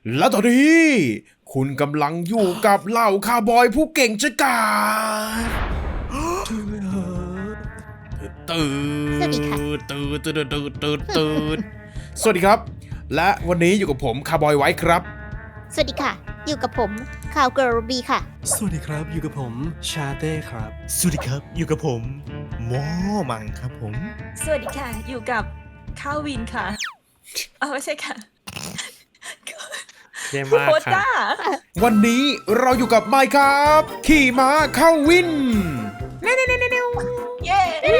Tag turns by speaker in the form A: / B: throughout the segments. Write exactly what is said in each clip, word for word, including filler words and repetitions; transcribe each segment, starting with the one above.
A: แล้วตอนนี้คุณกำลังอยู่กับเหล่าคาวบอยผู้เก่งชะกาจตื่นตื่นตื่นตื่นตื่นตื่นสวัสดีครับและวันนี้อยู่กับผมคาวบอยไว้ครับ
B: สวัสดีค่ะอยู่กับผมข่าวเกิร์ลบีค่ะ
C: สวัสดีครับอยู่กับผมชาเต้ครับสวัสดีครับอยู่กับผมหมอมังครับผม
D: สวัสดีค่ะอยู่กับข้าววินค่ะเอาไม่ใช่ค่ะ
A: เยี่ยมมาก
D: โค
A: ค
D: ต้า
A: รับวันนี้เราอยู่กับไมค์ครับขี่ม้าเข้าวิน
D: เย้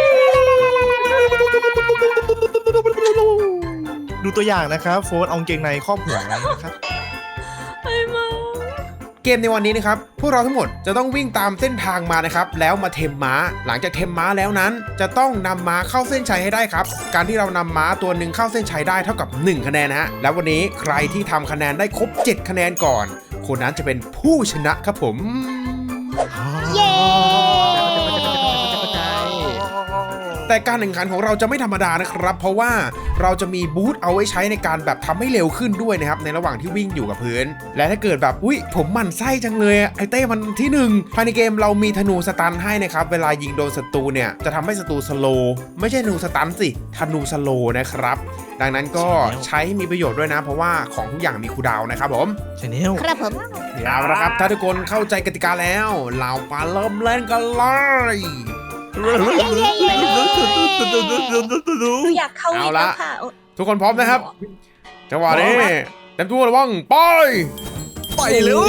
C: ดูตัวอย่างนะครับโฟนเอากางเกงในครอบหัวไว้นะครับ
D: ไอ้มา
A: เกมในวันนี้นะครับพวกเราทั้งหมดจะต้องวิ่งตามเส้นทางมานะครับแล้วมาเทมม้าหลังจากเทมม้าแล้วนั้นจะต้องนำม้าเข้าเส้นชัยให้ได้ครับการที่เรานำม้าตัวหนึ่งเข้าเส้นชัยได้เท่ากับหนึ่งคะแนนนะฮะแล้ววันนี้ใครที่ทำคะแนนได้ครบเจ็ดคะแนนก่อนคนนั้นจะเป็นผู้ชนะครับผม
B: เย้
A: แต่การแข่งขันของเราจะไม่ธรรมดานะครับเพราะว่าเราจะมีบูทเอาไว้ใช้ในการแบบทำให้เร็วขึ้นด้วยนะครับในระหว่างที่วิ่งอยู่กับพื้นและถ้าเกิดแบบอุ้ยผมหมั่นไส้จังเลยไอเต้มันที่หนึ่งภายในเกมเรามีธนูสตันให้นะครับเวลายิงโดนศัตรูเนี่ยจะทำให้ศัตรูสโลว์ไม่ใช่ธนูสตันสิธนูสโลว์นะครับดังนั้นก็ใช้มีประโยชน์ด้วยนะเพราะว่าของทุกอย่างมีคูลดาวน์นะครับผม
C: ชาแนล
B: ครับผม
A: เอาละครับถ้าทุกคนเข้าใจกติกาแล้วเรามาเริ่มเล่นกันเลย
B: เย้เย้เย้
D: หนูอยากเข้าวินแล้วค่ะ
A: ทุกคนพร้อมนะครับจังหวะนี้เต็มตัวระวังไป
C: ไปเร็ว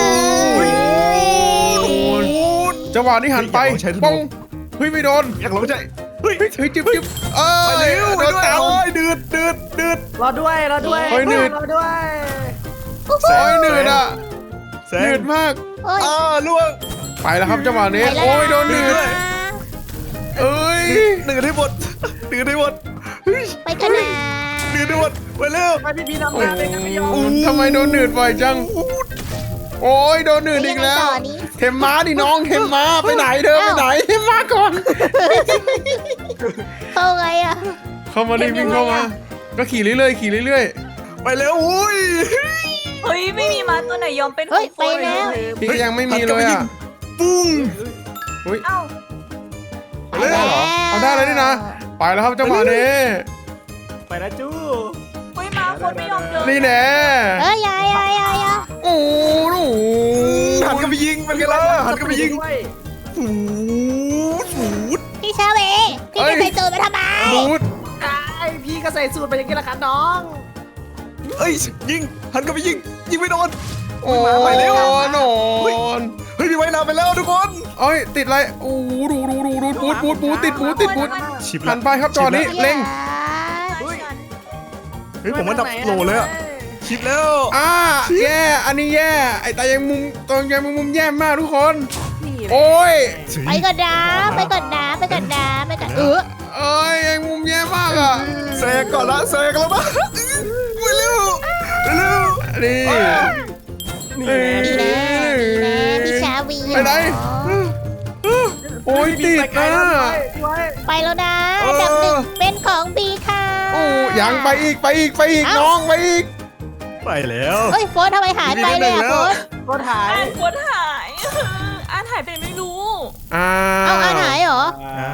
A: จังหวะนี้หันไปป้องเฮ้ยไม่โดน
C: อยากลองใจเฮ้ย
A: เฮ้ยเฮ้ยจิ๊บจิ๊บเอ้
C: ไป
A: ย
C: เร็ว
A: โดนตาม
C: โอ้ยดืดดืดดืด
E: รอด้วยรอด้วย
A: เฮ้ยหนืด
E: รอด้วย
A: โอ้ยหนืดอ่ะ
C: แซ
A: หนื
C: ง
A: ดมาก
B: โอ้ย
C: อ่าล่วง
A: ไปแล้วครับจังหวะนี้
B: ไปแล้ว
A: โอ้ยโดนหนืด
B: นะ
A: เอ้ย
C: ดืดให้หมดดืดให้หมดเฮ้ย
B: ไปกันนะ
C: ดืดให้หมดไปเร็ว
E: ไปพี่พีนำ
A: โอ้
E: หน้าเลยกันไม่ยอม
A: ทำไมโดนหนืดบ่อยจังโอ้ยโดนหนืดอีกแล้ว
B: ไปยังไงต่อนี้
A: เทมม้าดิน้องเทมม้าไปไหนเธอไปไหนเทมม้าก่อน
B: เข้าไงอ่ะ
A: เข้ามาดิวิ่งเข้ามาก็ขี่เรื่อยๆขี่เรื่อย
C: ไปเร็วอุ้ย
D: เฮ้ยไม่มีม้าตัวไหนยอมเป็นข
B: เฮ้
D: อย ง
B: ไปแล้ว
A: ๆพี่ก็ยังไม่มีเลยอ่ะ
C: ปุ้ง
D: เอ้า
B: ไปแล้ว
A: เอาได้เลยนี่นะไปแล้วครับจังหวะนี้
E: ไปนะจู้
D: เฮ้ยม้าคนไม่ยอมเดิน
A: นี่แน่
B: เอ้ยยายยายยายยาย
A: โอ้โห
C: หันกันไปยิงเป็นไงล่ะหันกันไปยิง
E: ด้วย
C: หูหู
B: พี่ชาเวพี่จะใส่โจรมาทำไม
A: บูด
E: ไอพี่ก็ใส่สูตรไปอย่างนี้ละกันน้อง
C: เอ้ยยิงหันกันไปยิงยิงไม่โดน
A: โอ้
C: ไปเร็ว
A: นอน
C: เฮ้ยพี่ไว้นำไปแล้วทุกคน
A: เอ้ยติดอะไรโอ้โหดูดูดูดูบูดบูดบูดติดบูดติดบูด
C: ชิบ
A: หันไปครับจอนี้เล็ง
C: เฮ้ยผมว่าดับโหลเลยอะชิปแล้ว
A: อ่าแย่อันนี้แย่ไอ้ตายังมุมตอนยังมุมแย่มากทุกคน
E: นี่แหละ
A: โอ้ย
B: ไปก่อนนะไปก่อนนะไปก่อนนะไปก่อนเออ
A: เอ้ยยังมุมแย่มากอ่ะ
C: แซงก่อนละแซงแล้วนะไปเร็วไปเร็ว
A: นี่
E: นี่
A: เอ้ย
B: ดีแน่ดีแน่พี่ชาวี
A: ไปไหน โอ้ยติด
E: ไปไกล
A: นะ
E: แล้วพี่ไว้
B: ไปแล้วนะอันดับหนึ่งเป็นของบีค่ะ
A: โอ้ยังไปอีกไปอีกไปอีก
B: เอ้า
A: น้องไปอีก
C: ไปแล้ว
B: เฮ้ยโฟนทำไมหายไปเลยอ่ะโฟน
E: ก็ถ่าย
D: อ่านโคตรหายอ่านหายไปไหนไม่รู้
A: อ้า
B: เอาอ่านหายเหรอ
C: อ้าว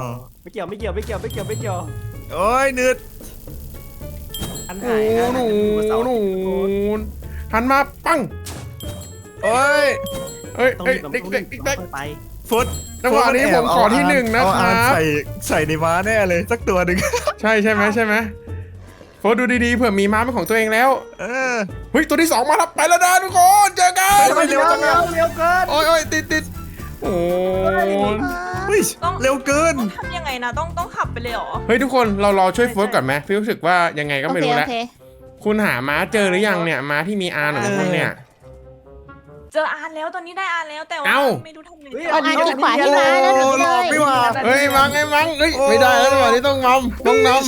E: ไม่เกี่ยวไม่เกี่ยวไม่เกี่ยวไม่เกี่ยวไม่เกี่ยว
C: โอ้ยนืด
E: อัน
A: โอ้
E: หายอัน
A: หนู
E: หาย
A: หนูหันมาปัง
C: โอ้ย
A: เอ้ย
E: ต้อง
A: เอ้ย
E: รีบ
A: เด็กเด็กเด็ก
E: ไป
C: ฟุต
A: จังหวะนี้ผมขอที่หนึ่งนะ
C: เอา
A: ค
C: อา
A: รับ
C: ใส่ใส่ในม้าแน่เลยสักตัวหนึ่ง
A: ใช่ใช่ไหมใช่ไหมโฟดูดีๆเผื่อมีม้าเป็นของตัวเองแล้ว
C: เออ
A: เฮ้ยตัวที่สองมาแล้วไปแล้วนะทุกคนเจอกัน
C: ทำไมเร็วจังอะ
E: เร็วเกิน
A: โอ้ยโอ้ยติดติดโอ้ย
C: เฮ้ย
D: ต้อง
C: เร็วเกิน
D: ทำยังไงนะต้องต้องขับไปเลยเหรอ
A: เฮ้ยทุกคนเรารอช่วยโฟก่อนไหมพี่รู้สึกว่ายังไงก็
B: โอ
A: ไม่
B: เค
A: รู้
B: โอ
A: แล้ว
B: เค
A: คุณหาม้าเจอหรือยังเนี่ยม้าที่มีอาร์หนูพวกเนี่ย
D: เจออานแล้วตอนนี้ได้อานแล้วแต่ว่า
A: เอ้า
D: ไม่รู้ทำไง
B: เอาอ่านที่ขวาที่มาแล้วหนูเลย
C: ไม่ว่า
A: เฮ้ยมังไอ้มังเฮ้ยไม่ได้แล้วจังหวะนี้ต้องนำต้องนำ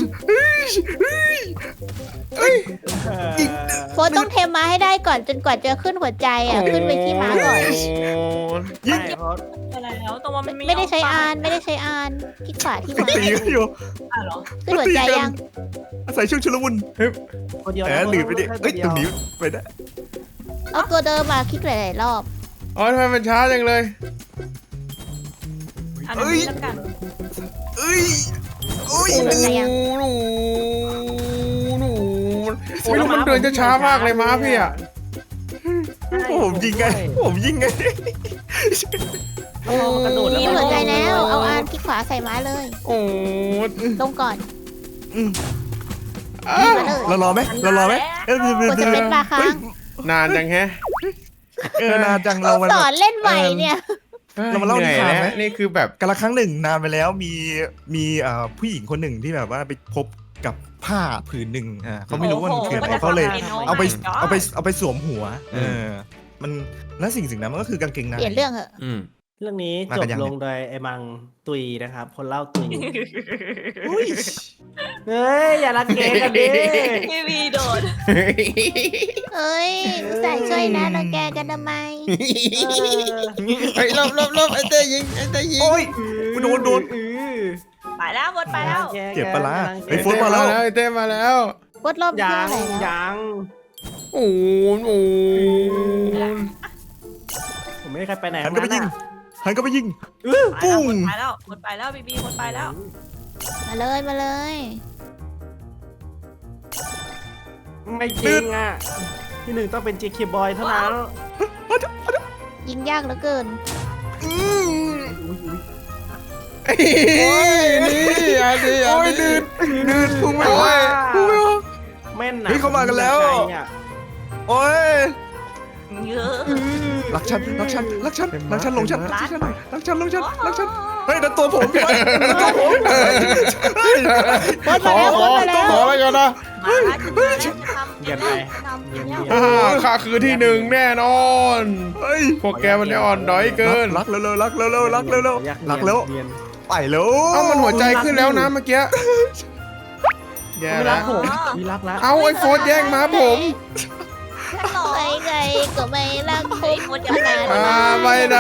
B: โฟนต้องเทมมาให้ได้ก่อนจนกว่าจะขึ้นหัวใจอ่ะขึ้นไปที่ม้าก่อน
C: ยิง
E: ใช่เพราะ
D: ไปแล้วแต่ว่ามันไม่
B: ไม่ได้ใช้
D: ย
B: อานไม่ได้ใช้อานที่ขวาที่มา
C: ตีกันอยู่
D: อ่ะเหรอ
B: ขึ้นหัวใจยัง
C: อาศัยช่วงชุลมุน
E: คนเดียว
C: แหมหนีไปดิเอ้ยตรงนี้ไปได้
B: เอาตัวเดิมมาคลิกหลายๆรอบ
A: อ๋อทำไมมันช้าจังเลย
D: อันนี้แล้วกัน
C: เอ้ยโอ้ย
B: ขึ้นหัวใจยัง
A: หนูหนูไม่รู้มันเดินจะช้ามากเลยม้าพี่อะ
C: ผมยิงไงผมยิงไง
E: โอ้มันกระโดด
B: คลิกหัวใจแล้วเอาอานคลิกขวาใส่ม้าเลย
A: โอ้
B: ลงก่อน
A: อ้าว
B: มาเลย
C: เรารอไหมเรารอไหมเอ้ย
B: กดสเปซบาร์ค้าง
A: นานจังแฮะ
C: เออนานจังเรามัน
B: สอนเล่นใหม่เนี่ย
C: เรามาเล่านิทานไหม
A: เหอยแล้วนี่คือแบบ
C: กันละครั้งหนึ่งนานไปแล้วมีมีเอ่อผู้หญิงคนหนึ่งที่แบบว่าไปพบกับผ้าผืนหนึ่งอ่าเขาไม่รู้ว่ามันคืออะไรเขาเลย เอาไปเอาไปเอาไปสวมหัว เออ มันและสิ่งสิ่งนั้นมันก็คือกางเกงใน
B: เปลี่ยนเรื่องเหอะ
A: อืม
E: เรื่องนี้
C: มา
E: จ
C: กับ นยัง
E: ลงโดยไอ้มังตุยนะครับ คนเล่าตุย
C: อุ้ย
E: เฮ้ย อย่ารังเกกันดิ
D: ทีวีโดด
B: เอ้ยใส่ช่วยนะเราแกกันทำไม
A: ไอ้ลบลบลบไอ้เต้ยิงไอ้เต้ยิง
C: โอ้ย โดนโดน
D: ไปแล้วหมดไปแล้ว
C: เจ็บปะล่ะ
E: ไอ้
C: ไอ้
E: โฟ
C: โฟนมาแล้ว
A: ไอ้เต้มาแล้ว
B: วดรอบที่
E: ยั
B: เท่าง ไหร่แล้ว
E: ยัง
A: โอ้โหโอ้โห
E: ผมไม่ได้ใครไปไหน
C: หันก็ไปยิง หันก็ไปยิง
D: ปุ้
C: ปุ้
D: ง
C: ง
D: ไปแล้วหมดไปแล้วบีบีหมดไปแล้ว
B: มาเลยมาเลย
E: ไม่จริงอ่ะที่หนึ่งต้องเป็น เจ เค Boy เท่านั้น
B: ยิงยากเหลือเกิน
A: ไอ้นี่อันนี้
C: โอ้ยดืดดืดพุ่งไม่ไหว
E: โอ้
C: พุ่งไม่ไหว
E: แม่นนะ
C: เฮ้ยเข้ามากันแล้ว โอ้ย
D: เยอะ
C: รักฉัน รักฉัน รักฉัน รักฉันลงฉันรักฉันรักฉันลงฉันรักฉัน เฮ้ยนั่นตัวผมพี่ไว้นั่นตัวผมเฮ้ย
B: วด
A: ข
B: มา
A: อ
B: แล้ว
A: ข
B: ว
A: อ
B: ดมาแล้ว
A: ขอแล้วกันนะ
D: มาแล้วจะทำจะทำจะทำ
A: อ่าข้าคือที่หนึ่งแน่นอน
C: เฮ้ย
A: พวกแกมันได้อ่อนด้อยเกิน
C: รักเร็วๆรักเร็วๆรักเร็วๆรักแล้ว
E: เรียน
C: ไปแล้ว
A: เอ้ามันหัวใจขึ้นแล้วนะเมื่อกี้แย่
E: มีรั
A: แล้
E: ก
A: ว
E: ผมมีรักแล้ว
A: เอาไอ้โฟนแย่งมาผม
B: ใครใครก็ไม่รักคุณขนาด
A: อ่า
B: นั้น
A: ไม่นะ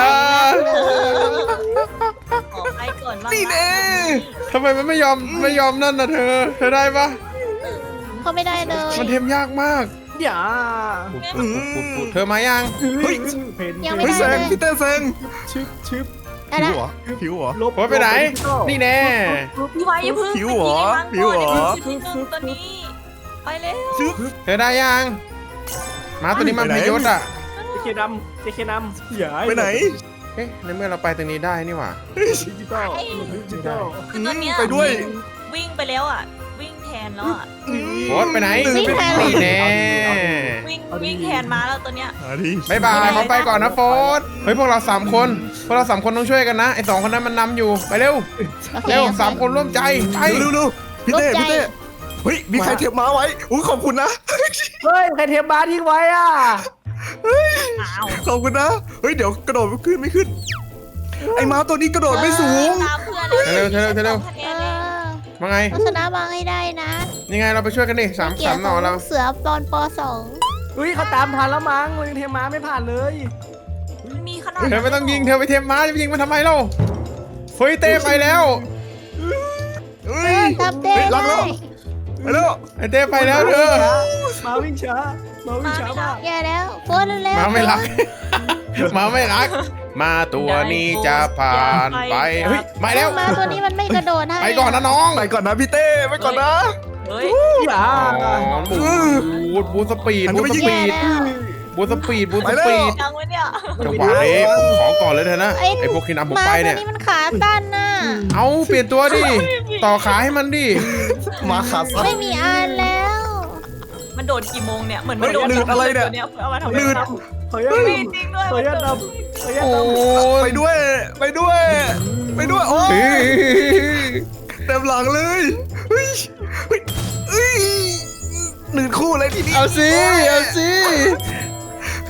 D: ขอไปก่อนบ้าง
C: นี่แน่
A: ทำไมมันไม่ยอมไม่ยอมนั่นน่ะเธอ เธอได้ปะ
B: เขาไม่ได้เลย
A: มันเทมยากมาก
E: อย่า
C: อืม
A: เธอมายัง
E: เฮ้ยเพน
B: ยังไม่
C: เฮ้ย
B: ได้
C: แซ
B: เล
C: ง
B: ย
C: พี่เต้แซง
E: ชึบชึบ
B: ได้
C: ผิว
B: ละ
C: เหรอผิวเหรอ
E: ลบ
A: โฟนไปไหน นี่แน่
D: พี่ไว้อย่าพึ่ง
C: ผิวเหรอผิวเหรอ
D: ที่หนึ่งตัวนี้ไปเร็ว
C: ซึบ
A: เธอได้ยังมาตัวนี้มัน
C: ไปไหน
A: พยศอ่ะ
E: เจเคดำเจเคนำอย่า
C: ไปไหน
A: เอ๊ะในเมื่อเราไปตรงนี้ได้นี่หว่า
E: ดิจิตอลดิจิตอล
D: คือตัวเนี้ย
C: ไปด้วย
D: วิ่งไปแล้วอ่ะ วิ่งแทนแล้วอ่ะ
A: โฟนไปไหน
B: วิ่งแทน
A: นี่แน่
D: วิ่งวิ่งแทนมาแล้วตัวเนี้ย
C: มาดิ
A: บายบายเขาไปก่อนนะโฟนเฮ้ยพวกเราสามคน พวกเราสามคนต้องช่วยกันนะ ไอ้สองคนนั้นมันนำอยู่ ไปเร็ว
B: โอเค
A: เร็ว
B: โอเค
A: สามคนร่วมใจ ไป
C: เร็วๆๆพี่เต้พี่เต้เฮ้ยมีใครเทปม้าไว้อุ้ยขอบคุณนะ
E: เฮ้ยใครเทปบาร์ทิ้งไว้อ่ะ
D: อ้าว
C: ขอบคุณนะเฮ้ยเดี๋ยวกระโดดไม่ขึ้นไม่ขึ้น ไอ้ม้าตัวนี้กระโดดไม่สูง
D: ตามเพื่อน
A: เร็วเร็วเร็วเร็ว
D: คะแน
B: เอน
D: เลย
B: อ
A: มาไง
B: เราชนะมาให้ได้นะ
A: ยังไงเราไปช่วยกันดิสาม
B: เกีย
A: สาร ม
B: ติ
A: หน่อเรา
B: เสือตอนปสอง
E: เฮ้ยเขาตามทันแล้วมั้งเลยเทม้าไม่ผ่านเลย
D: มันมีขนาด
A: เธอไม่ต้องยิง เธอไปเทมม้าจะไปยิงมันทำไมเล่าเฮ้ยเต้ไปแล้ว
C: เฮ้ย
B: ทำได้
C: เฮ้ยรักแล้ว ไปแล้ว
A: ไอ้เต้ไปแล้วเธอ
E: มาวิ่งช้ามาวิ่งช้ามาก
B: แย่แล้วโฟนเร็ว
A: หมาไม่รัก หมาไม่รัก มาตัวนี้จะผ่านไป เฮ้ยมาแล้ว
B: มาตัวนี้มันไม่กระโดดให้
A: ไปก่อนนะน้อง
C: ไปก่อนนะพี่เต้ไปก่อนนะ
D: เฮ้ย
E: อย่า
A: อ๋อบูดบูดสปีด
C: หัน
A: บู
C: ไป
A: ดส
C: ยิง
A: ปีด
B: แย่แล้ว
A: บูทสปีดบูท
C: ไป
A: ส
C: แล้ว
A: ปีด
D: ยังไว้เนี่ย
A: จังหวะนี้ผมขอก่อนเลยเถอะนะ
B: ไอ้
A: ไอพวกที่นำผม
B: มา
A: ไป
B: ตัว
A: เนี่ย
B: นี้มันขาตั้นน่ะ
A: เอาเปลี่ยนตัวดิ ต่อขาให้มันดิ
C: มาขาสั้น
B: ไม่มีอานแล้ว
D: มันโดดกี่โมงเนี่ย เหมือนมันโดด
C: เฮ้ยหนืดอะไรเนี่ย
D: ตัวเอามาทำ
C: หนืด
E: เฮ้ย
D: มีจริงด้วย
E: เฮ้ย
D: มันโดด
E: ดำเฮ้ย
A: โอ้
E: ดำ
C: ไปด้วย ไปด้วย ไปด้วย โอ้
A: เฮ้ย
C: เต็มหลังเลยเฮ้ยเฮ้ยเฮ้ยหนึ่งคู่เลยทีนี้
A: เอาสิเอาสิใคร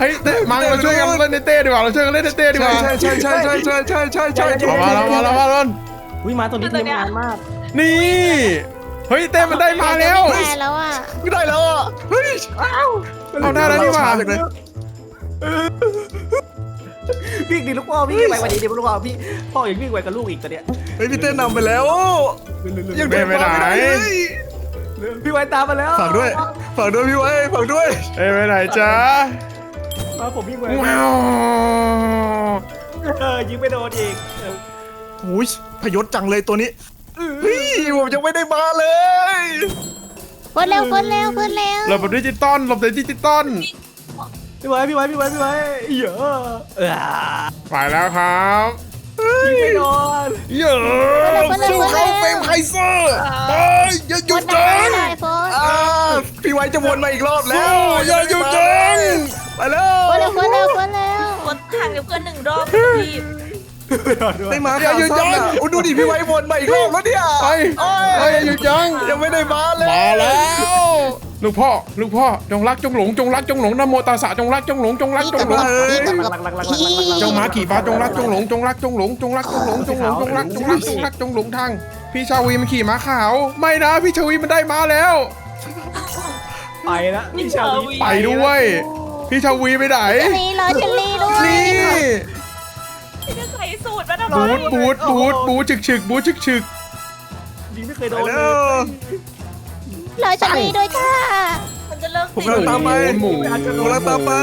A: ฮ้ยเต้มังเราช่วยกันเล่นในเต้ดีกว่าเราช่วยกันเล่นในเต้ดีก
C: ใช่
A: ว่า
C: ใช่ใช่ใช่ใช่ใช่ใช่ใช่ใช่ใช่
A: มาแล้วมาแล้วมาแล้ว
E: อุ้ยมาตัวนี้เทมนานมาก
A: นี่เฮ้ยเต้มันได้มาแล้ว
B: ได้แล้วอ่ะ
C: ไม่ได้แล้วอ่ะเฮ้ย
A: เอาได้แล้วนี่หว่า
C: จากเลย
E: วิ่งดิลูกพ่อวิ่งไปวันนี้ดิลูกพ่อพี่พ่อยังวิ่งไปกับลูกอีกตัวเนี้ย
C: เฮ้ยพี่เต้นนำไปแล้วยัง
A: เต้ไปไหน
E: พี่ไว้ตามมาแล้ว
C: ฝากด้วยฝากด้วยพี่ไว้ฝากด้วย
A: เอ้ยไปไหนจ๊ะ
E: มาผมวิ่งไป
A: ว้าว
E: เออยิงไม่โดนอีก
C: โอ้ยพยศจังเลยตัวนี้เฮ้ยผมยังไม่ได้มาเลย
B: คนเร็วคนเร็วคนเร็ว
A: หลบแบบดิจิตอลหลบแบบดิจิตอล
E: พี่ไว้พี่ไว้พี่ไว้พี่ไว้เยอะเออ
A: ไปแล้วครับ
E: ยิงไม่โดน
A: เยอะสู้เขาเฟรมไคเซอร์เฮ้ยอย่าหยุ
B: ค
A: ด
B: น
A: จั
B: ได้
A: ง
B: ได้โฟน
C: อ่าพี่ไว้จะวนมาอีกรอบแล้ว
A: สู้อย่าหยุดจัง
C: ไปแล้ว
B: คนเร็วคนเร็วคนเร็ว
D: วนห่างกับเพื่อนหนึ่งรอบพี่
C: ไม่มาข่าวซ้ำอ่ะโอ้ดูดิพี่ไว้วนมาอีกรอบแล้วเนี่ย
A: ไปไปอย่าหยุดจัง
C: ยังไม่ได้มาเลย
A: มาแล้วลูกพ่อลูกพ่อจงรักจงหลงจงรักจงหลงนะโมตัสสะจงรักจงหลงจงรักจงหลง
B: พี่กับ
E: หลักหลักหลักหลักหลัก
A: จงมาขี่ฟ้าจงรักจงหลงจงรักจงหลงจงรักจงหลงจงหลงจงรักจงรักจงรักจงหลงทางพี่ชาวีมันขี่ม้าขาวไม่นะพี่ชาวีมันได้ม้าแล้ว
E: ไปละพี่ชาวี
A: ไปด้วย พี่ชาวีไปไหน
B: เชลลี่รอเชลลี่ด้วย
A: นี่
D: พี่จะใส่สูตรมาทำไม
A: บูดบูดบูดบูดฉึกฉึกบูดฉึกฉึก
E: ยิงไม่เคยโด
C: ไป
E: น
C: แล้
E: เล
C: วย
B: รอเชลลี่ด้วยค่ะ
D: มันจะเลิก
C: ผม
D: ติด
C: กำลังตามไป
A: หมุน
C: ผมกำลังตามไป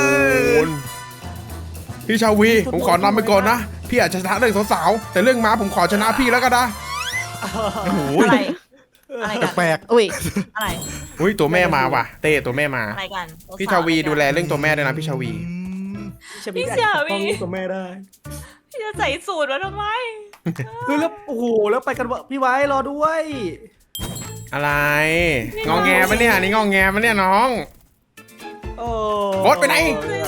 A: พี่ชาวีผมขอนำไปก่อนนะพี่อาจจะชนะเรื่องสาวๆแต่เรื่องม้าผมขอชนะพี่แล้วก็ได้
C: โอ้โห
D: อะไรอะไรกัน
C: แปลก
B: อุ้ย
D: อะไร
A: อุ้ยตัวแม่มาว่ะเต้ตัวแม่มา
D: อะไรกัน
A: พี่ชาวีดูแลเรื่องตัวแม่ด้วยนะพี่ชาวี
E: พี่ชาวีต้องตัวแม่ได้
D: พี่จะใส่สูตรมาทำไม
E: เฮ้ยแล้วโอ้โหแล้วไปกันวะพี่ไว้รอด้วย
A: อะไรงองแงปะเนี่ยนี่งองแงปะเนี่ยน้อง
E: โอ้
A: โอ๊ตไปไหน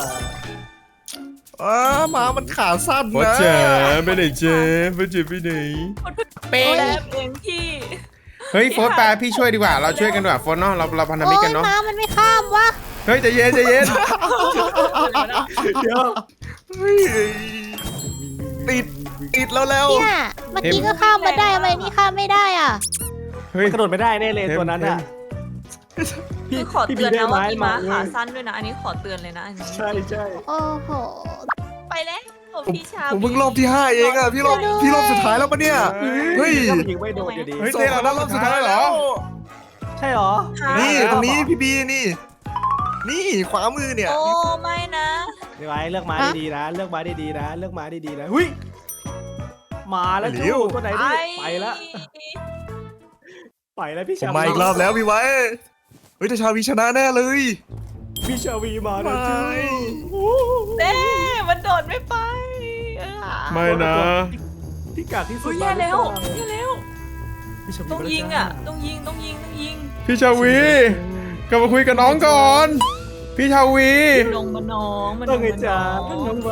C: อ่าหมามันขาสั้น
A: โอ๊ต
C: นะ
A: เจ๋ไปไหนเจ๋ไปเจ๋ไปไหน
D: เป๊ะเองพี่
A: เฮ้ยโฟร์แปลพี่ช่วยดีกว่าเราช่วยกันดีกว่าโฟร์เนาะเราเราพันธมิตร
B: โอ้
A: กั
B: ย
A: นเนาะ
B: ม้ามันไม่ข้ามวะ
A: เฮ้ยใจเย็นใจเย็น
E: เดี๋ยว
C: เฮ้ยติดติดแล้วแล้ว
B: เนี่ยเมื่อกี้ก็ข้ามมาได้ทำไมนี่ข้ามไม่ได้อ่ะ
A: เฮ้ย
E: กระโดดไม่ได้แน่เลยตัวนั้นอ่ะ
D: คือขอเตือนนะว่ามีม้าขาสั้นด้วยนะ อันนี้ขอเตือนเลยนะอันนี้
E: ใช่ใช่
B: โอ้โห
D: ไปแล้วผม
C: ผม
D: พี่ชา
C: ผมเพิ่งรอบที่ห้าเองอ่ะพี่รอบพี่รอบสุดท้ายแล้วปะเนี่ยเฮ้ย
E: ยิงไม่โดนอยู่ดี
A: เฮ้ยเต้เราได้รอบสุดท้ายเหรอ
E: ใช่หรอ
C: นี่ตรงนี้พี่บีนี่ นี่ขวามือเนี่ย
D: โอ้ไม่นะ
E: พี่ไว้เลือกม้าดีๆนะเลือกม้าดีๆนะเลือกม้าดีๆนะหุ้ยมาแล้วจูตัวไหนดิไปละไปแล้วพี่
C: ผม
E: ชา
C: มาอีกรอบแล้วพี่ไว้เฮ้ยแต่ชาวีชนะแน่เลย
E: พี่ชาวีมาแล้วจู
D: เต้มันโดดไม่ไปเออ
A: ไม่นะ
E: พี่กากที่สุ
D: โอ้
E: ด
D: ยแย่แล้วแย่แล้ว
E: พี่ชาวี
D: ต้องยิงอ่ะต้องยิงต้องยิงต้องยิง
A: พี่ชาวีกลับมาคุยกับน้องก่อน พี่ชาวี
D: ลงมาน้องมัน
E: ต้องไง
D: ล
E: จ้า
D: มา
E: น้องไว้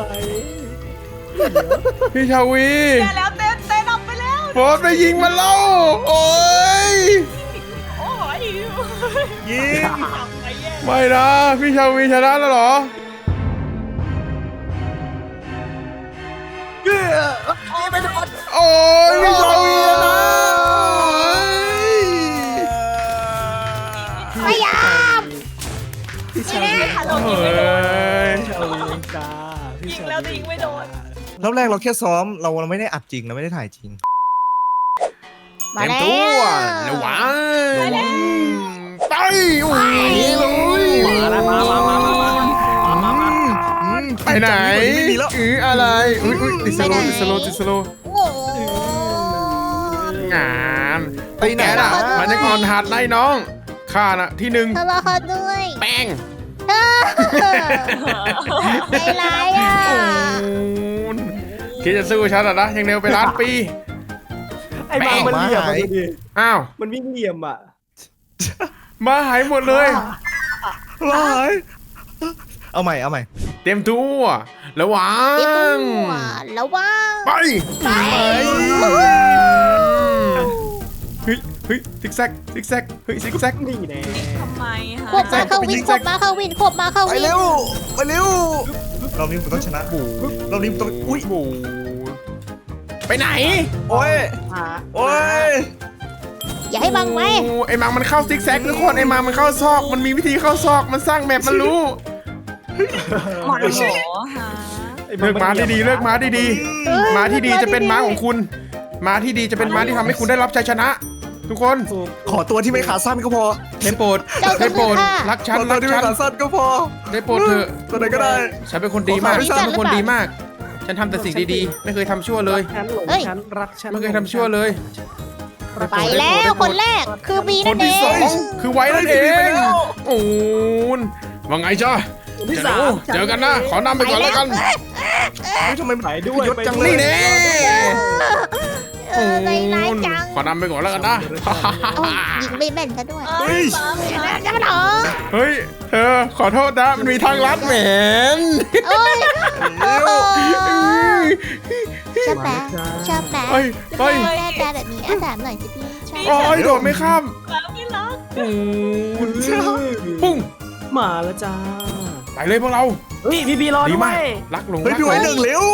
A: พี่ชาวี
D: แย่แล้วเต้เต้นออกไปแล้ว
A: โฟร์ไปยิงมันแล้วโอ้ย
D: โอ้ย
C: ยิง
D: ไปแย่
A: ไม่นะพี่ชาวีชนะแล้วเหรอ โอ้ยพี่ชาวีชนะ
B: พยายาม
E: พี่ชาวี
D: ค่ะเรา
A: เฮ
D: ยิงไม่โดน้
A: ย
E: พี่ชาวีจ้าพี่
D: ยิง
E: ชา
D: แล้วแต่ยิงไม่โดน
C: รอบแรกเราแค่ซ้อมเราเราไม่ได้อัดจริงเราไม่ได้ถ่ายจริง
B: มา
A: เต็ม
B: แล้
A: ตัว
B: ว
A: ระวังไปโอ้ยเลย
E: มาแล้วมามามามามามามา
C: อืม
A: ไปไหน
C: ไม่มีแล้ว
A: อืออะไรอุ้ยอุ้ยติดสโลว์ติดสโลว์ติดสโลว์
B: โอ้โห
A: งาน
C: ไปไหน
A: แก
C: ล่ะ
A: น่ะมันจะก่อนหัดนายน้องข้าน่ะที่หนึ่ง
B: ทะเลาะกันด้วย
A: แป้ง
B: เธอใจร้ายอ่ะ
A: โอ้ยคิดจะสู้ฉันเหรอนะยังเร็วไปล้านปี
E: ไอ้บางมันเหลี่ยมอ่ะดูดิ
A: อ้าว
E: มันวิ่งเหลี่ยมอ่ะ
A: มาหายหมดเลย
C: ร้ายเอาใหม่เอาใหม่
A: เตรียมตัวระวั
B: เจ็บตั
A: ง
B: วระวัง
A: ไป
B: ไป
A: เฮ้ยเฮ้ยซิกแซกซิกแซกเฮ้ยซิกแซก
E: นี่แน่
D: ทำไม
B: ขวบ
D: ฮะ
B: มาเข้าวินขวบมาเข้าวินขวบมาเข้า
C: ไป
B: วิน
C: เร็วไปเร็ว
E: ไ
C: รอบนี้ผมต้องชนะ
A: บู
C: รอบนี้ผมต้องอุ้ย
A: บูไปไหน
C: โอ้ย
E: หา
C: โอ้ย
B: อย่าให้บังไว้
A: โอ้ไอ้มังมันเข้าซิกแซกทุกคนไอ้มังมันเข้าซอกมันมีวิธีเข้าซอกมันสร้างแมปมันรู้
D: หมอนหมอหา
A: เลิกม้าดีๆเลิกม้าดี
B: เออ
A: ๆม้าที่ดีจะเป็นม้าของคุณม้าที่ดีจะเป็นม้าที่ทำให้คุณได้รับชัยชนะ ทุกคน
C: ขอตัวที่ไม่ขาสั้นก็พอ
A: ได้โปรด
B: เจ้า
A: ได้โปรด
B: ค่ะ
A: รักฉัน
C: ขอตั
A: รั
C: ว
A: ก
C: ที่
A: ฉั
C: ไม่
A: น
C: ขาสั้นก็พอ
A: ได้โปรดเถอะ
C: ตัวไหนก็ได้
A: ฉันเป็นคนดีมาก
B: ขอ
A: ฉัน
B: ขอ
A: เป็นคนดีมาก ฉันทำแต่สิ่งดีๆ ไม่เคยทำชั่วเลย
E: ฉันหลง
B: เฮ้ย
E: ฉันรักฉัน
A: ไม่เคยทำชั่วเลย
B: ไปแล้วคนแรกคือบี
A: ค
B: นั่
A: น
B: นเอ
A: ที่สอง งคือไว้นั่นเอ
C: เฮ้ยไป
A: ง
C: แล้ว
A: โอ้นว่าไงจ้า
E: คนที่
A: เดี๋ยว
E: สาม
A: เจอกันนะ ขอนำไปก่อนแล้วกัน
C: เฮ้ยทำไม
E: ไปด้วย
C: ยศจัง
E: ไปด้วย
A: นี่แน่
B: เออในร้ายจัง
A: ขอนำไปก่อนแล้วกันนะ
B: เอายิงไม่แม่นซะด้วย
D: เอ้ยฟ้า
B: จะมาหรอ
A: เฮ้ย เธอขอโทษนะ มันมีทางลัดแหมน
B: โอ้ย
C: เร็ว
B: ชอบแปะชอบแปะ
A: เฮ้ยเฮ้ย
B: แม่แปะแบบนี้อาสามหน่อยสิพี่ชอบ
A: โอ้ยโดดไม่ข้าม
D: ฟ้าไม่รัก
A: โอ้ยปุ้ง
E: มาแล้วจ้า
A: ไปเลยพวกเรา
E: เฮ้ยพี่บีรอ
A: ดี
E: ด้ว
A: มาก
E: ย
A: รักหลง
C: เฮ้ย
A: รัก
C: พี่
A: หล
C: ไว้
A: ง
C: หนึ่งเร็ว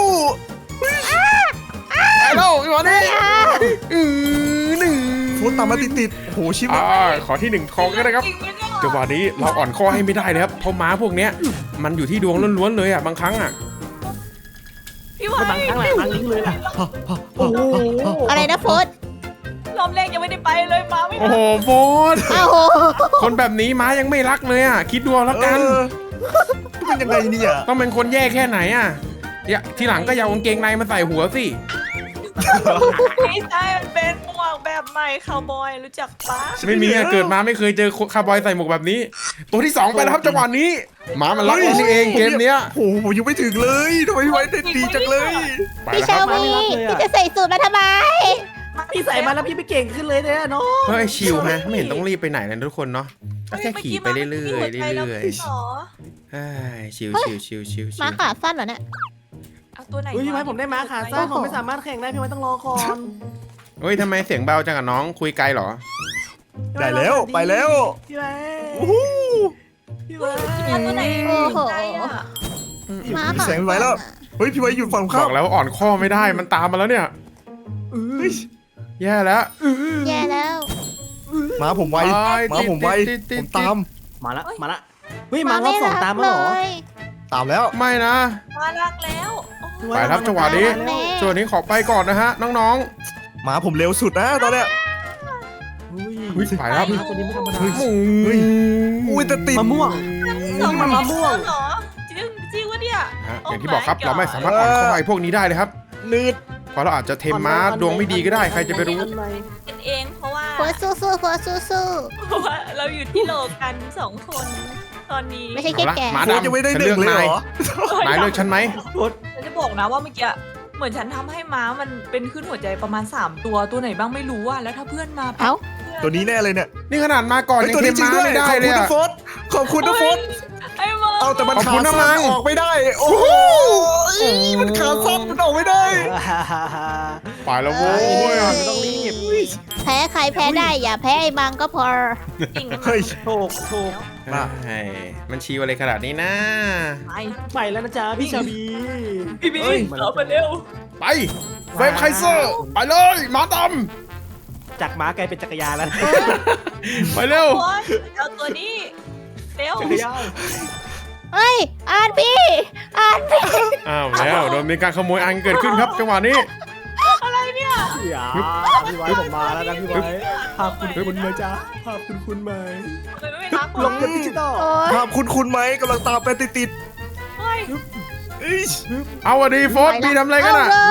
A: ไปแล้วอีกวันนี้อือหนึ่ง
C: โฟนตามมาติดติดๆโอ้โหชิบ
A: อ่าขอที่หนึ่งทองก็ได้ครับ
D: จริงไหมเนี่ย
A: จังหวะนี้เราอ่อนข้อให้ไม่ได้เลยครับเพราะม้าพวกเนี้ยมันอยู่ที่ดวงล้วนๆเลยอ่ะบางครั้งอ่ะ
D: พี่ไว้
E: บางครั้งแหละบางลิงเลยล่ะโอ้โห
B: อะไรนะโฟส
D: รอบแรกยังไม่ได้ไปเลยมาไม่
A: โอ้
D: ได้
A: โหโฟน
B: อ้าว
A: คนแบบนี้ม้ายังไม่รักเลยอ่ะคิดดูเอาแล้วกัน
C: เออเป็นยังไงเนี่ย
A: ต้องเป็นคนแย่แค่ไหนอ่ะอย่าทีหลังก็อย่าเอากางเกงในมาใส่หัวสิ
D: ไม่ใช่มันเป็นหมวกแบบใหม่คาวบอยรู้จักปะ
A: ไม่มีอะเกิดมาไม่เคยเจอคาร์บอยใส่หมวกแบบนี้ ตัวที่สองไปแล้วครับจังหวะนี้ม้ามันรักเรานี่เองเกมเนี้ย
C: โอ้โหผมยังไม่ถึงเลยทำไมพี่ไว้ได้ดีจังเลย
A: ไป
B: พี่
A: แล้วค
B: ชา
A: รับ
B: วีพี่จะใส่สูตรมาทำไม
E: พี่ใส่มาแล้วพี่ไม่เก่งขึ้นเลยเนี่ยน้อง
A: เฮ้ยชิลฮะไม่เห็นต้องรีบไปไหนเลยทุกคนเนาะก็แค่ขี่ไปเรื่อยๆเรื่อยๆเรื่อยๆเฮ้ยชิลชิลชิลชิลชิ
B: มา
A: ล
B: ขาสั้นเหรอเนี่ย
D: เอาตัวไหน
E: เฮ้ยพี่ไว้ผมได้ม้าขาสั้นผมไม่สามารถแข่งได้พี่ไว้ต้องรอก่อน
A: เฮ้ยทำไมเสียงเบาจังกับน้องคุยไกลเหรอ
C: ได้แล้วไปแล้ว
E: พี่ไว้
C: โอ้โห
E: พี่ไว้
D: เอาตัวไหน
B: โอ้โห
D: ใจอะ
B: มา
C: มี
B: ขา
C: แสงไว้แล้วเฮ้ยพี่ไว้อยู่ฝั่ง
A: บ
C: ข้า
A: อกแล้วอ่อนข้อไม่ได้มันตามมาแล้วเนี่ย
C: เฮ้ย
A: แย่แล้ว
B: แย่แล้ว
C: หมาผมไว
A: ไป
C: หมาผมไว
A: ติดติดติด
C: ผมตาม
E: มาละมาละเฮ้ยมารอบสองตามมาเหรอ
B: เลย
C: ตามแล้ว
A: ไม่นะ
D: มารักแล้วโอ้โห
A: ไปครับจังหวะนี้
B: แม่
A: ส่วนนี้ขอไปก่อนนะฮะน้อง
C: หมาผมเร็วสุดนะตอนเนี้ย
A: ๆอุ้ยไปครับ
E: ม้าตัวนี้ไม่ธรรมดา
A: เฮ้ย
C: เฮ้ย อุ้ยแต่ติด
E: มะม่วง
D: สอง
E: มันมะม่วง
D: เหรอจริงจริงวะเนี่ย
A: ฮะอย่างที่บอกครับเราไม่สามารถอ่อนข้อไอ้พวกนี้ได้เลยครับ
C: นืด
A: เพราะเราอาจจะเทมม้าดวงไม่ดีก็ได้ใครจะไปรู้
D: เป็นเองเพราะว่า
B: หัวสู้สู้หัวสู้สู้
D: เพราะว่าเราอยู่ที่โลกันสองคนตอนนี้
B: ไม่ใช่แค่แก่
A: มา
C: โฟนยังไม่ได้หนึ่งเลยเหรอ
A: นายเลือกฉันไหม
D: ฉันจะบอกนะว่าเมื่อกี้เหมือนฉันทำให้ม้ามันเป็นขึ้นหัวใจประมาณสามตัวตัวไหนบ้างไม่รู้อะแล้วถ้าเพื่อนมา
B: เอ้า
C: ตัวนี้แน่เลยเนี่ย
A: นี่ขนาดมาก่อน
C: เฮ้ย
A: ยัง
C: ตัว
A: เท
C: นี้
A: ม
C: จริง
A: ม้า
C: ด้วย
A: ไม่ได้
C: ขอบ
A: เล
C: คุ
A: ย
C: ณนะ
A: อะ
C: โฟนขอบคุณนะโฟน
D: ไอ้มา
C: เอาแต่มัน
A: ขอบ
C: ขา
A: คุณนะ
C: สั้น
A: มัง
C: ออกไม่ได้ โอ้โหมันขาสั้นมันออกไม่ได้
A: ไปแล้วโว้ย
E: ต้องรีบ
B: แพ้ใครแพ้ได้อย่าแพ้ไอ้มังก็พอ
D: จริงนะ
C: เฮ้ย
E: โถกโถก
A: เฮ้ยมันชีวอะไรขนาดนี้นะ
D: ไป
E: ไปแล้วนะจ๊ะพี่ชาบี
D: พี่บี
E: เอ้ย
D: เอาไปเร็ว
A: ไปเฟรมไคเซอร์ไปเลยหมาด
E: จากม้ากลายเป็นจักรยานแล้ว
A: ำไปเร็ว
D: โอ๊ยเอาตัวนี้เร็ว
E: จักรยาน
B: เฮ้ยอ่านพี่อ่านพี่
A: อ้าวแล้วโดนมีการขโมยอันเกิดขึ้นครับจังหวะนี้
D: อะไรเนี่ย
E: อย่าพี่ไว้ผมมาแล้วนะพี่ไว้ภาพคุณคุณไหมจ๊ะภาพคุณคุณไหม
D: ทำไมไม่รัก
E: ล
D: ล
E: ง
D: ง
E: เป็นดิจิตอล
B: โอ้ย
C: ภาพคุณคุณไหมกำลังตามไปติดติด
D: เฮ้ย
C: ๆเอ้ย
A: เอาอะดีโฟสมีทำอะไรกันอ่ะ
B: เาเลย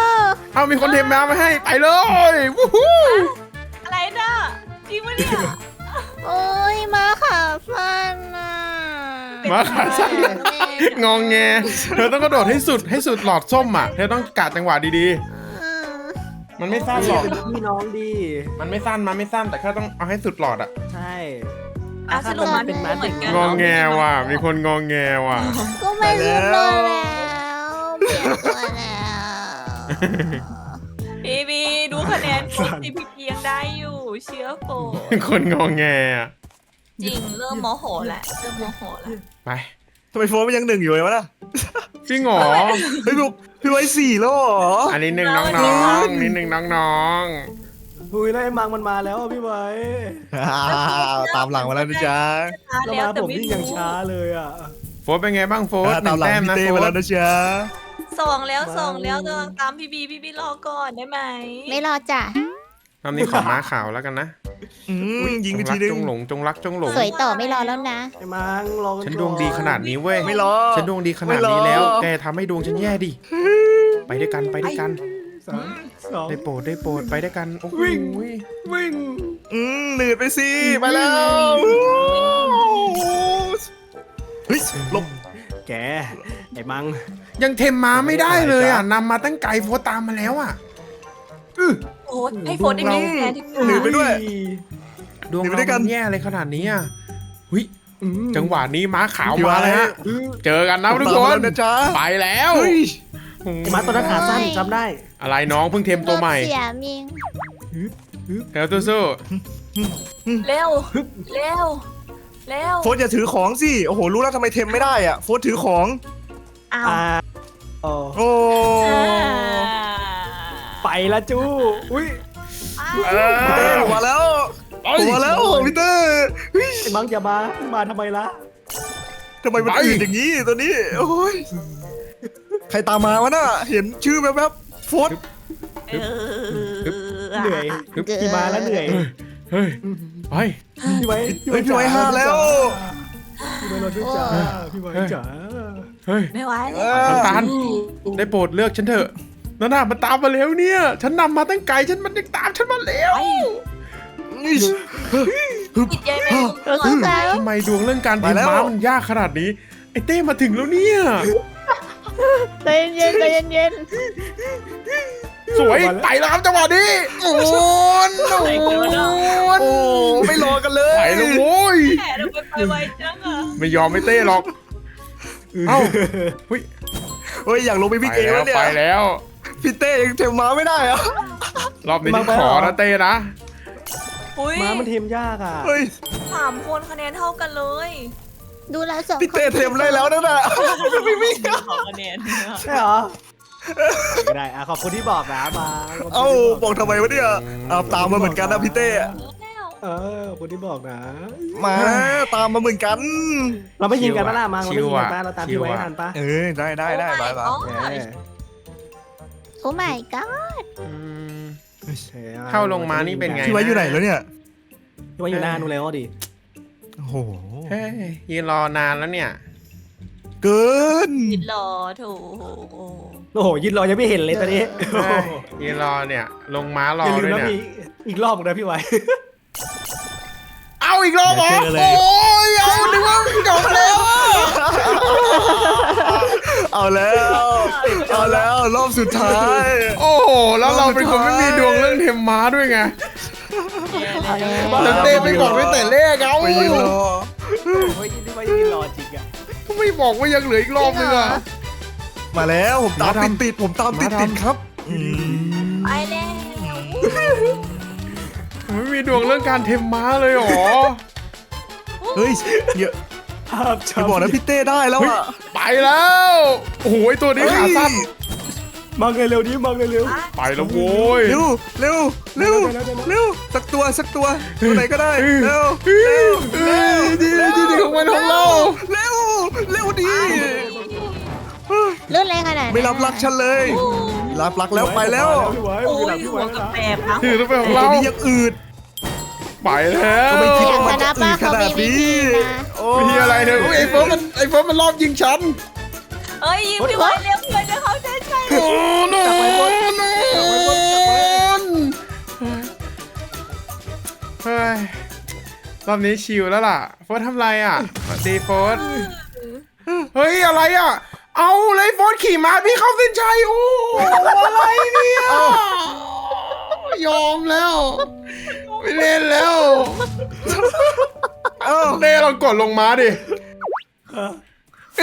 A: เอามีคนเทมม้ามาให้ไปเลยวู้ฮู้
D: อะไรน่ะจริงวะเนี่ย
B: โอ้ยมาขาสั้นอ่ะ
A: มาขาสั้นงองแงเธอต้องกระโดดให้สุดให้สุดหลอดส้มอ่ะเธอต้องกะจังหวะดี
B: อืม
A: ๆ มันไม่สั้นหรอก
E: เป็นพี่น้องดี
A: มันไม่สั้นมันไม่สั้นแต่แค่ต้องเอาให้สุดหลอดอ่ะ
E: ใช่
D: อ่ะสรุปมัน
E: เป็นม้า
D: เหมื
E: เด็
D: อก นกัน
A: งองแงว่ะมีคนงองแงว่ะ
B: ก็ไม่รู้ตัวแล้วเปลี่ยนตัวแล้ว
D: พี่บีดูคะแนนผมที่พี่พียังได้อยู่เชื่อโฟ
A: คนงองแงอะ
D: จริงเริ่มโมโหแหละเริ่มโมโหแหละ
A: ไป
C: ทำไมโฟนมันยังหนึ่งอยู่เลยวะน่ะ
A: จริงเหรอ
C: เฮ้ยพี่พี่ไว้สี่แล้วเหรอ
A: อันนี้หนึ่งน้องๆนี่หนึ่งน้อง
E: หุยแล้วไอ้มังมันมาแล้วอะพี่ไว้
C: อ่าตามหลังมาแล้วนะจ๊ะ
D: ช้า
E: แล้ว
D: แล้ว
E: มา
D: แต่
E: ผม
D: ไม่
E: วิ่ง
D: รู้
E: ยังช้าเลยอ่ะ
A: ๆโฟร์เป็นไงบ้างโฟร์ห
C: ตา
A: นึ่
C: ม
A: ง
C: หลัง
A: แต้ม
C: พี่
A: นะ
C: เต้
A: โฟ
C: มาแล้ว
A: ร์
C: นะจ๊ะ
D: สองแล้วสองแล้ว
E: มา
D: กำลังตามพี่บีพี่บีรอก่อนได้ไหม
B: ไม่รอจ้ะ
A: รอบนี้ขอม้าขาวแล้วกันนะ
C: อืมยิง
A: จ
C: ไป
A: ง
C: ที
A: รัก
C: นึง
A: จงหลงจงรักจงหลง
B: สวยต่อไม่รอแล้วนะ
E: ไอ้มังรอกั
A: ฉัน
E: ก่อ
A: ดวงดีขนาดนี้เว้ย
C: ไม่รอ
A: ฉันดวงดีขนาดนี้แล้ว แกทำให้ดวงฉันแย่ดิ ไปด้วยกันไปด้วยกัน
E: สามสอง
A: ได้โปรดได้โปรดไปด้วยกันโอ้โห
E: วิ่ง วิ่ง
C: อืมหนืดไปสิไปแล้วเฮ้ยหลบ
E: แกไอ้มัง
A: ยังเทมม้าไม่ได้เลยอ่ะนำมาตั้งไกลโฟร์ตามมาแล้วอ่ะ
D: โอ้ให้โฟนได้มีแฟนที่
C: หนืดไปด้วย
A: ดวง
C: หนีไป
A: เรา
C: ด้วยกัน
A: มันแย่เลยขนาดนี้อ่ะหุย
E: อืม
A: จังหวะนี้ม้าขาว
C: พี่ไว้
A: มาเลยฮะเจอกันนะทุกค
C: ตาม
A: น
C: แล้วนะจ๊ะ
A: ไปแล้ว
C: เฮ้ย
A: โอ้โห
E: ไอ้มังตัวนั้นขาสั้นจำได้
A: อะไรน้องเพิ่งเทมตัวใหม่
B: รถเสียมิง
A: แล้วสู้
D: เร็วเร็วเร็ว
C: โฟนอย่าถือของสิโอ้โหรู้แล้วทำไมเทมไม่ได้อ่ะโฟนถือของ
D: อ้าว
E: อ่าอ๋อ
C: โอ้
E: ไปละจู้อุ้ย
A: ๆเออ
C: พี่เต้ผมมาแล้วผมมาแล้วพี่เต้เฮ้ย
E: ไอ้มังอย่ามามาทำไมล่ะ
C: ทำไมมันอื่นอย่างนี้ตัวนี้โอ้ยใครตามมาวะน่ะเห็นชื่อแว๊บๆโฟน
D: เออ
E: เหนื่อยพี่มาแล้วเหนื่อย
A: เฮ้ยไป
E: พี่ไว้
C: เฮ้ยพี่ไว้ห้าแล้ว
E: พี่ไว้รอด้วยจ้าพี่ไว้จ๋า
A: เฮ้ย
D: ไม่ไหว
C: เอ
D: แล้ว
C: อ
A: น้ำตาลได้โปรดเลือกฉันเถอะนั่นน่ะมันตามมาแล้วเนี่ย ฉันนำมาตั้งไกลฉันมันยังตามฉันมาแล้ว
D: ติดใจไหม
B: รถสาว
A: ทำไมดวงเรื่องการเท
C: ไปแล้ว
A: ม้ามันยากขนาดนี้ไอ้เต้มาถึงแล้วเนี่ย
B: ใจเย็นใจเย็น
A: สวยไปแล้วครับจังหวะนี้โอ้นโอ้น
C: โอ้ไม่รอกันเลย
A: ไปแล้วโว้ย
D: แหมทำไมไปไวจังอ่ะ
A: ไม่ยอมไม่เต้หรอกเอ้าเฮ้ย
C: เฮ้ยอยากลงไป
A: ไป
C: วิ่งเอง
A: แล้
C: แล้ว วเนี่ย
A: ไปแล้ว
C: พี่เต้ยังเทมม้าไม่ได้อะ
A: รอบนี้ฉันขอนะเต้นะ
D: อุ้ย
E: ม้ามันเทมยากอ่ะ
C: เฮ้ย
D: สามคนคะแนนเท่ากันเลย
B: ดูแล้วสอง
C: พี่เต้เทมได้แล้วนั่นน่ะไม่วิ่ง
D: สองคะแนน
E: ใช่เหรอไม่ได้อ่ะขอบคุณที่บอกนะมา
C: เอ้าบอกทำไมวะเนี่ยเอาตามมาเหมือนกันนะพี่เต้
E: เออขอบคุณที่บอกนะ
C: มาตามมาเหมือนกัน
E: เราไม่ยิงกันปะล่ะมังเรา
A: ชิ
E: ไม่
A: ว
E: ยิงกัน
A: อะ
E: ปะเราตาม
A: ชิ
E: พี่
A: ว
E: ไว้
A: อะ
E: ทันปะ
C: เออได้ได้ได้ไปไป
D: โอ้
E: เอ
D: my
E: อ
B: โอ้ my god
A: อืม
E: โอค
A: เข้าลงมานี่เป็นไง
C: พี่ไว้อยู่ไหนแล้วเนี่ย
E: พี่ไว้อยู่หน้านูแล้วดิ
C: โอ้โห
A: เฮ้ยยืนรอนานแล้วเนี่ย
C: เกิน
D: ติดหล่อโถู
E: โอ้โหยืนรอยังไม่เห็นเลยตอนนี้
A: เฮ้ยยืนรอเนี่ย ลงม้ารอ
E: อย่าลืม
A: ด้วย
E: นะ
A: เนี่ย
E: พี่อีกรอบหนึงนะพี่ไว้
A: เอาอีกรอบเหรอ
C: เจอเลย
A: โอ้ยเอานึกว่าจบแล้วอะ
C: เอาแล้วเอาแล้วรอบสุดท้าย
A: โอ้โหแล้วเราเป็นคนไม่มีดวงเรื่องเทมม้าด้วยไง
B: เอาแล้ว
A: แล้วเต้ไม่บอกไม่แต่เลขเอา
C: ไปยืนรอ
E: โอ้ยพี่ไว้ยืนรอจริงอะ
A: ไม่บอกว่ายังเหลืออีกรอบนึงอะ
C: มาแล้วผมตาม
A: มา
C: ติด
A: ทำ
C: ติดผมตามติด
A: มาทำ
C: ติดครับอืม
D: ไปแล้ว
A: ไม่มีดวงเรื่องการเทมม้าเลยเหรอ
C: เฮ้ยเดี๋ยว
E: ภาพ
C: อย่าบอกนะพี่เต้ได้แล้วอ่ะ
A: ไปแล้ว โอ้โหไอ้ตัวนี้
C: เฮ้ย
A: ขาสั้น
E: มาไงเร็วดิมาไงเร็ว
A: ไปแล้วโว้ย
C: เร็วเร็วเร็ว
E: เร็วเร็วเร็ว
C: เร็วสักตัวสักตัวตัวไหนก็ได้
A: เออ
C: เร็ว
A: เฮ้ย
C: เร็ว
A: เฮ้ยดีดีดีของมันของเรา
C: เร็วเร็วดี
B: รุ่นอะไรขนาดนั้น
C: ไม่รับรักฉันเลย รับรักแล้วไปแล้ว
E: พี่ไว้
D: โอ้ย
E: พี่
D: หั
E: ไว้
D: ว
E: พี่
D: กับ
E: ไว้
D: แปบนะ
A: ถือตัวเป็นของ
C: ตั
A: เรา
C: วนี้ยังอืด
A: ไปแล้ว
C: ก็ไม่คิดว่า
B: ชนะป้าเขามีวิธีนะ
C: โอ้
A: วิธีอะไรเนี่ยอุ๊ยไอ้เฟิร์สมันไอ้เฟิร์สมันรอบยิงฉัน
D: เอ้ยยิงพี่ไว้เร็วเพื่อนจะเขาใจใจ
A: โอ้โนนเฮ้ยรอบนี้ชิลแล้วล่ะโฟร์ทำไรอ่ะสวัสดีโฟร์เฮ้ยอะไรอ่ะ เอาเลยโฟร์ขี่ม้าพี่เข้าเส้นชัยโอ้อะไรเนี่ยยอมแล้ว ไม่เล่นแล้ว
C: เอ้า
A: เต้เรากดลงม้าดิเอ๊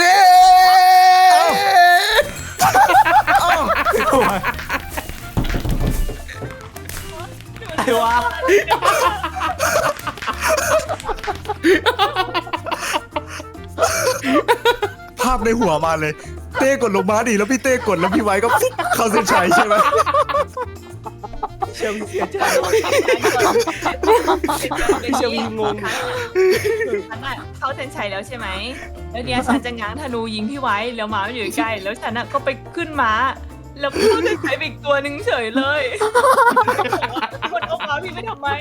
E: ไอ้วะ
C: ภาพในหัวมาเลยเต้กดลงม้าดิแล้วพี่เต้กดแล้วพี่ไว้ก็ปุ๊บเข้าเส้นชัยใช่ไหม
E: เชลวีเสียใจ
D: พี่
E: เชลวีงง
D: ฉันอะเข้าเส้นชัยแล้วใช่ไหมแล้วเนี่ยฉันจะง้างธนูยิงพี่ไว้แล้วม้ามันอยู่ใกล้แล้วฉันอะก็ไปขึ้นม้าแล้วเข้าเส้นชัยไปอีกตัวหนึ่งเฉยเลยคนเอาม้าพี่ไปทำไม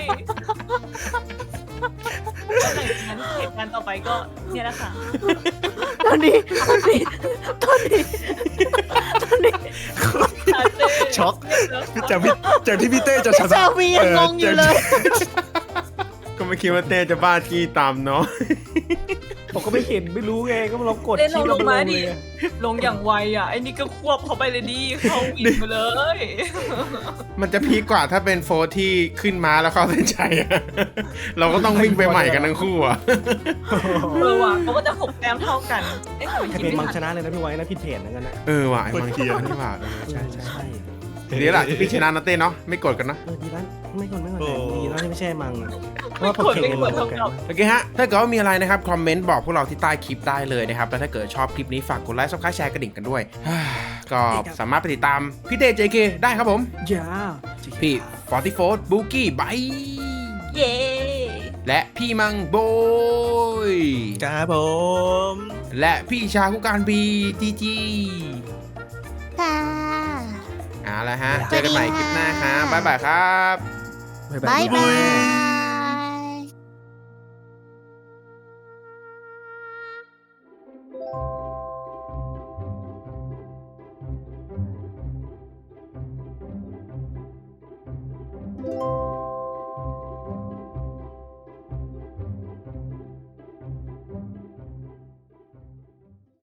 D: หลังจากนั้นเหตุการณ์ต่อไปก็เนี่ยแหละค่ะ
B: ตอนนี้ตอนนี้ตอนนี้ตอนนี้
C: ช็อกจากพี่จากที่พี่เต้จะชนะ
B: ชาวียังงงอยู่เลย
A: ก็ไม่คิดว่าเต้จะบ้าจี้ตามเนาะ
E: ผมก็ไม่เห็นไม่รู้ไงก็ลองกด
D: เต้นล
E: ชี้
D: ง
E: ล
D: ล
E: ง
D: ง
E: ล
D: มาง ดิ
E: เลย
D: ลงอย่างไวอ่ะไอ้นี่ก็ควบเขาไปเลยดิเขาวิ่งมาเลย
A: มันจะพีคกว่าถ้าเป็นโฟร์ที่ขึ้นม้าแล้วเข้าเส้นชัยอะเราก็ต้องวิ่งไปใหม่กันทั้งคู่อะ
D: เออว่ะเขาก็จะหกแต้มเท่ากันเอ๊ะทำไม
E: ใคร
D: คิด
E: เป็น
D: ไม่
E: มังช
D: ทัน
E: นะเลยนะพี่ไว้นะพี่เทรนนะกันนะ
A: เออว่ะไอ้บางทีนี่ว่ะเออใช่ใช่
E: ใช่
A: ดีแหละที่พี่ชนะนะเต้เนาะไม่กดกันนะ
E: เออดีแล้วไม่คนไม่คนแต่ดีแล้วที่ไม่ใช่มังเพราะว่าผม
D: คน
E: เทรน
D: ไม่
E: กัน
D: คว
E: มาร เหมือนกัน
D: เท่ากับ
A: โอเคฮะ ถ้าเกิดว่ามีอะไรนะครับ คอมเมนต์บอกพวกเราที่ใต้คลิปได้เลยนะครับ แล้วถ้าเกิดชอบคลิปนี้ฝากกดไลค์ซับสไครต์แชร์กระดิ่งกันด้วย ก็สามารถไปติดตามพี่เต้ เจ เค ได้ครับผม
E: อย่า
A: พี่ฟอร์ตี้โฟร์บูกี้ไบ
D: เย้
A: และพี่มังโบย
C: ครับผม
A: และพี่ชาคุการบีจีจี
B: ค่ะ
A: เอาละฮะ เจอกันใหม่คลิปหน้าครับบ๊ายบายครับ
B: บ๊ายบาย